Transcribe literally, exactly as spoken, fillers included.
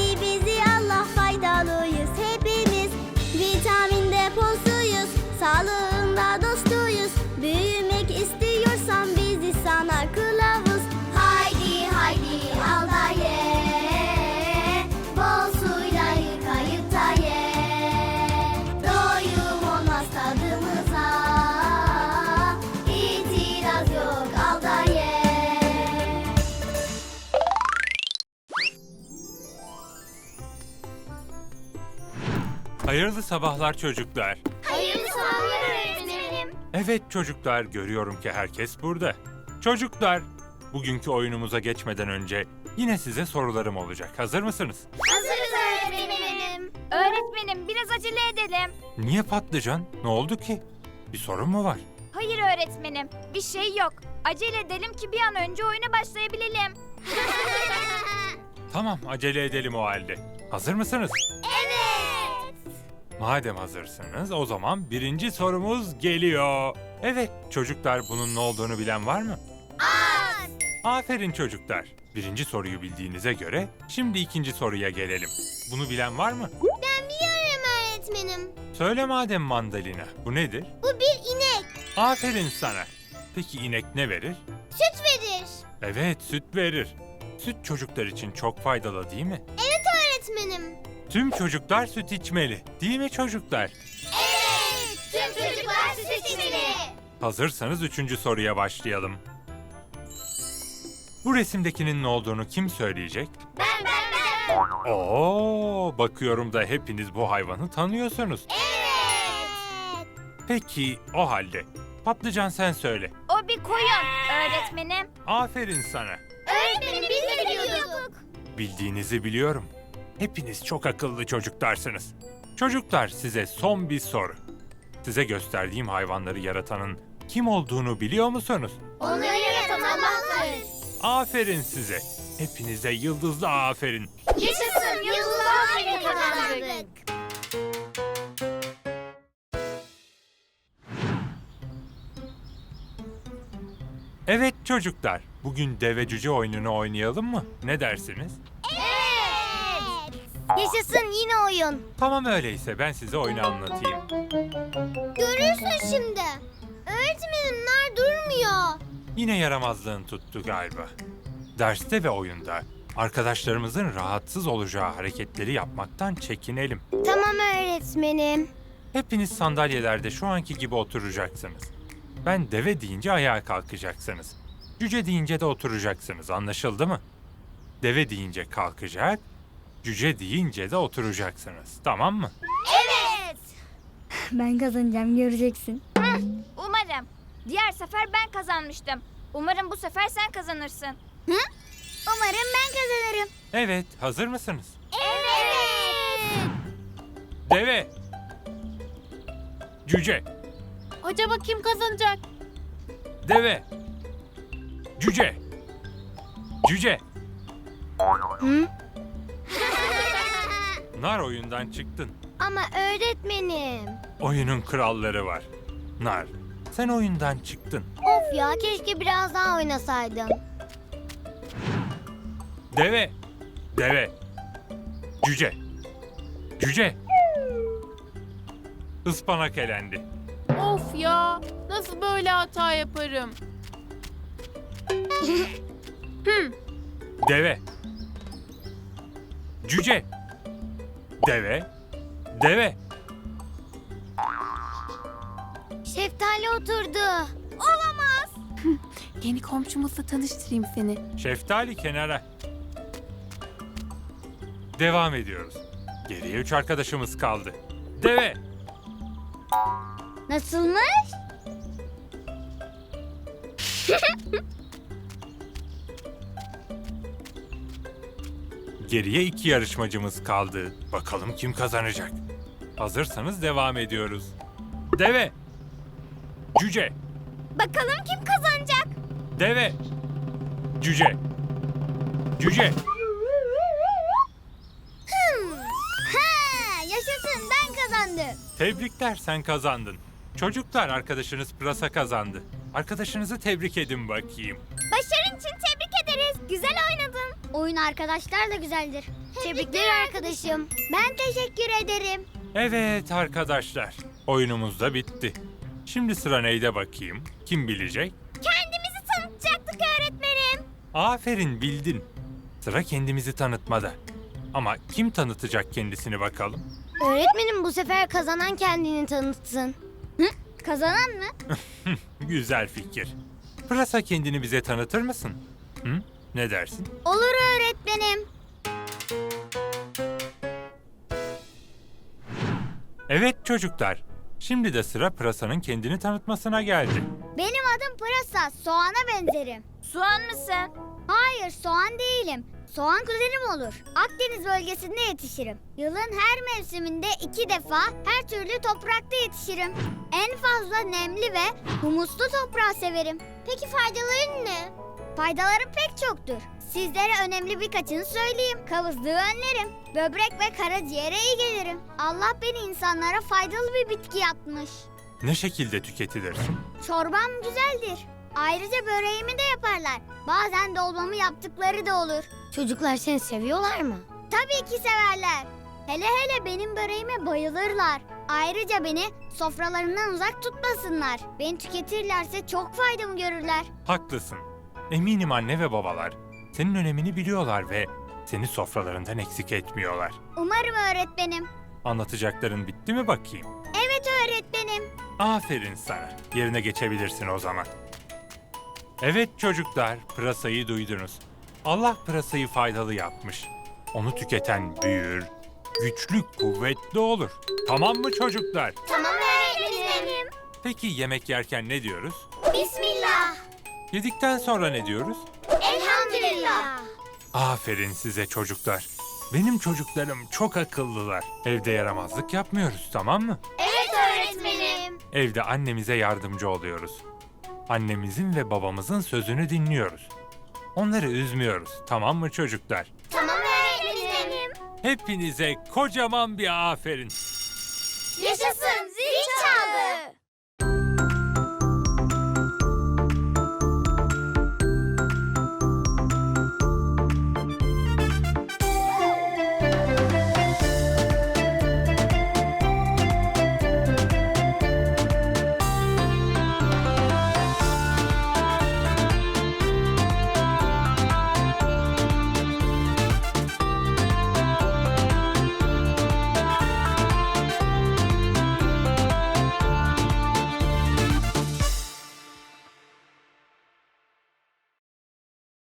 Sevdi bizi Allah, faydalıyız hepimiz. Vitamin deposuyuz, sağlığında dostuyuz. Büyümek istiyorsan bizi sana kılavuz. Haydi haydi al da ye, bol suyla yıkayıp da ye. Doyum olmaz tadımıza, itiraz yok, al da ye. Hayırlı sabahlar çocuklar. Hayırlı sabahlar öğretmenim. Evet çocuklar, görüyorum ki herkes burada. Çocuklar, bugünkü oyunumuza geçmeden önce yine size sorularım olacak. Hazır mısınız? Hazırız öğretmenim. Öğretmenim biraz acele edelim. Niye patlıcan? Ne oldu ki? Bir sorun mu var? Hayır öğretmenim, bir şey yok. Acele edelim ki bir an önce oyuna başlayabilelim. Tamam, acele edelim o halde. Hazır mısınız? Evet. Madem hazırsınız, o zaman birinci sorumuz geliyor. Evet, çocuklar, bunun ne olduğunu bilen var mı? Az. Aferin çocuklar. Birinci soruyu bildiğinize göre şimdi ikinci soruya gelelim. Bunu bilen var mı? Ben biliyorum öğretmenim. Söyle madem mandalina. Bu nedir? Bu bir inek. Aferin sana. Peki inek ne verir? Süt verir. Evet, süt verir. Süt çocuklar için çok faydalı değil mi? Evet öğretmenim. Tüm çocuklar süt içmeli. Değil mi çocuklar? Evet. Tüm çocuklar süt içmeli. Hazırsanız üçüncü soruya başlayalım. Bu resimdekinin ne olduğunu kim söyleyecek? Ben ben ben. Oo, bakıyorum da hepiniz bu hayvanı tanıyorsunuz. Evet. Peki o halde patlıcan sen söyle. O bir koyun öğretmenim. Aferin sana. Öğretmenim biz de biliyorduk. Bildiğinizi biliyorum. Hepiniz çok akıllı çocuklarsınız. Çocuklar, size son bir soru. Size gösterdiğim hayvanları yaratanın kim olduğunu biliyor musunuz? Onu yaratan Allah'tır. Aferin size. Hepinize yıldızlı aferin. Yaşasın, yıldızlar aferin kazandık. Evet çocuklar, bugün deve cüce oyununu oynayalım mı? Ne dersiniz? Evet. Yaşasın yine oyun. Tamam, öyleyse ben size oyunu anlatayım. Görürsün şimdi. Öğretmenim nar durmuyor. Yine yaramazlığın tuttu galiba. Derste ve oyunda arkadaşlarımızın rahatsız olacağı hareketleri yapmaktan çekinelim. Tamam öğretmenim. Hepiniz sandalyelerde şu anki gibi oturacaksınız. Ben deve deyince ayağa kalkacaksınız. Cüce deyince de oturacaksınız. Anlaşıldı mı? Deve deyince kalkacak, cüce deyince de oturacaksınız. Tamam mı? Evet. Ben kazanacağım, göreceksin. Umarım. Diğer sefer ben kazanmıştım. Umarım bu sefer sen kazanırsın. Umarım ben kazanırım. Evet, hazır mısınız? Evet. Deve, cüce, Acaba kim kazanacak? deve, cüce, cüce. Hı? Nar, oyundan çıktın. Ama öğretmenim. Oyunun kralları var. Nar, sen oyundan çıktın. Of ya, keşke biraz daha oynasaydım. Deve, deve, cüce, cüce. Ispanak elendi. Of ya, nasıl böyle hata yaparım? Deve, cüce, deve, deve. Şeftali oturdu. Yeni komşumuzla tanıştırayım seni. Şeftali kenara. Devam ediyoruz. Geriye üç arkadaşımız kaldı. Deve, Nasılmış? geriye iki yarışmacımız kaldı. Bakalım kim kazanacak? Hazırsanız devam ediyoruz. Deve, cüce, Bakalım kim kazanacak? deve, cüce, cüce. Ha, yaşasın, ben kazandım. Tebrikler, sen kazandın. Çocuklar, arkadaşınız Pırasa kazandı. Arkadaşınızı tebrik edin bakayım. Başarın için tebrik ederiz. Güzel oynadın. Oyun arkadaşlarla güzeldir. Tebrikler arkadaşım. Ben teşekkür ederim. Evet arkadaşlar, oyunumuz da bitti. Şimdi sıra neyde bakayım? Kim bilecek? Kendimizi tanıtacaktık öğretmenim. Aferin, bildin. Sıra kendimizi tanıtmada. Ama kim tanıtacak kendisini bakalım? Öğretmenim bu sefer kazanan kendini tanıtsın. Hı? Kazanan mı? Güzel fikir. Pırasa, kendini bize tanıtır mısın? Hı? Ne dersin? Olur öğretmenim. Evet çocuklar. Şimdi de sıra Pırasa'nın kendini tanıtmasına geldi. Benim adım Pırasa. Soğana benzerim. Soğan mısın? Hayır, soğan değilim. Soğan kuzenim olur. Akdeniz bölgesinde yetişirim. Yılın her mevsiminde iki defa her türlü toprakta yetişirim. En fazla nemli ve humuslu toprağı severim. Peki faydaları ne? Faydaları pek çoktur. Sizlere önemli birkaçını söyleyeyim. Kavızlığı önlerim. Böbrek ve karaciğere iyi gelirim. Allah beni insanlara faydalı bir bitki yapmış. Ne şekilde tüketilirsin? Çorbam güzeldir. Ayrıca böreğimi de yaparlar. Bazen dolmamı yaptıkları da olur. Çocuklar seni seviyorlar mı? Tabii ki severler. Hele hele benim böreğime bayılırlar. Ayrıca beni sofralarından uzak tutmasınlar. Beni tüketirlerse çok faydamı görürler. Haklısın. Eminim anne ve babalar senin önemini biliyorlar ve seni sofralarından eksik etmiyorlar. Umarım öğretmenim. Anlatacakların bitti mi bakayım? Evet öğretmenim. Aferin sana. Yerine geçebilirsin o zaman. Evet çocuklar, pırasayı duydunuz. Allah pırasayı faydalı yapmış. Onu tüketen büyür, güçlü, kuvvetli olur. Tamam mı çocuklar? Tamam öğretmenim. Peki yemek yerken ne diyoruz? Bismillah. Yedikten sonra ne diyoruz? Elhamdülillah. Aferin size çocuklar. Benim çocuklarım çok akıllılar. Evde yaramazlık yapmıyoruz, tamam mı? Evet öğretmenim. Evde annemize yardımcı oluyoruz. Annemizin ve babamızın sözünü dinliyoruz. Onları üzmüyoruz, tamam mı çocuklar? Tamam öğretmenim. Hepinize kocaman bir aferin.